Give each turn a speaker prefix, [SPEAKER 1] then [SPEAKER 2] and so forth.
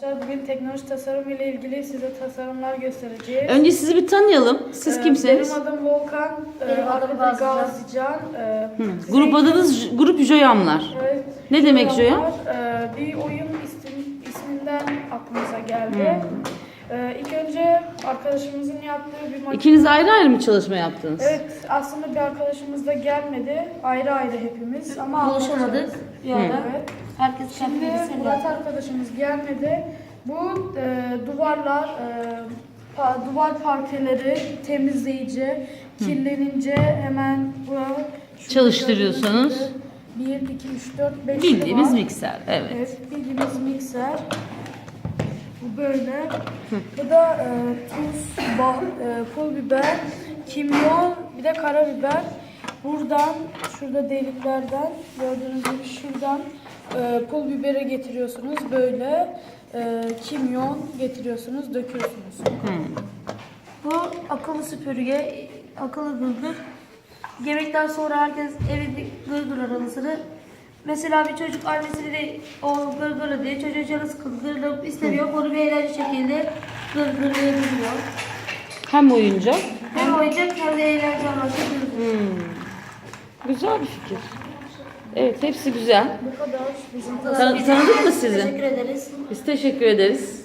[SPEAKER 1] Bugün teknoloji tasarım ile ilgili size tasarımlar göstereceğiz.
[SPEAKER 2] Önce sizi bir tanıyalım. Siz kimsiniz?
[SPEAKER 1] Benim adım Volkan.
[SPEAKER 3] Benim adım
[SPEAKER 1] Gazican.
[SPEAKER 2] Grup adınız Grup Joyamlar.
[SPEAKER 1] Evet.
[SPEAKER 2] Ne demek Joyam?
[SPEAKER 1] Bir oyun isminden aklımıza geldi. İlk önce arkadaşımızın yaptığı bir makine.
[SPEAKER 2] İkiniz ayrı ayrı mı çalışma yaptınız?
[SPEAKER 1] Evet, aslında bir arkadaşımız da gelmedi. Ayrı ayrı hepimiz ama
[SPEAKER 3] Buluşamadık.
[SPEAKER 1] anlaşamadık.
[SPEAKER 3] Yani
[SPEAKER 1] Evet.
[SPEAKER 3] herkes kendi
[SPEAKER 1] Şimdi
[SPEAKER 3] bilgisayarıyla.
[SPEAKER 1] Murat arkadaşımız gelmedi. Bu duvarlar, duvar parkeleri temizleyici, kirlenince hemen
[SPEAKER 2] Çalıştırıyorsunuz.
[SPEAKER 1] 1, 2, 3, 4, 5
[SPEAKER 2] Bildiğimiz mikser. Evet.
[SPEAKER 1] Evet, bildiğimiz mikser. Bu böyle. Bu da tuz, pul biber, kimyon, bir de karabiber. Buradan, şurada deliklerden, gördüğünüz gibi şuradan pul biberi getiriyorsunuz. Böyle kimyon getiriyorsunuz, döküyorsunuz.
[SPEAKER 3] Bu akıllı süpürge, akıllı gırgır. Yemekten sonra herkes evinde gırgır aralısını. Mesela bir çocuk annesini de o gırgırı diye çocuğa canı sıkıldı, gırgır istemiyor. Bunu bir eğlence şekilde gırgırlayabiliyor.
[SPEAKER 2] Hem oyuncak.
[SPEAKER 3] Hem oyuncak hem de eğlence amaçlı gırgır.
[SPEAKER 2] Güzel bir fikir. Evet, hepsi güzel.
[SPEAKER 1] Bu kadar bizim
[SPEAKER 2] Tanıdık mı sizi?
[SPEAKER 3] Teşekkür ederiz.
[SPEAKER 2] Biz teşekkür ederiz.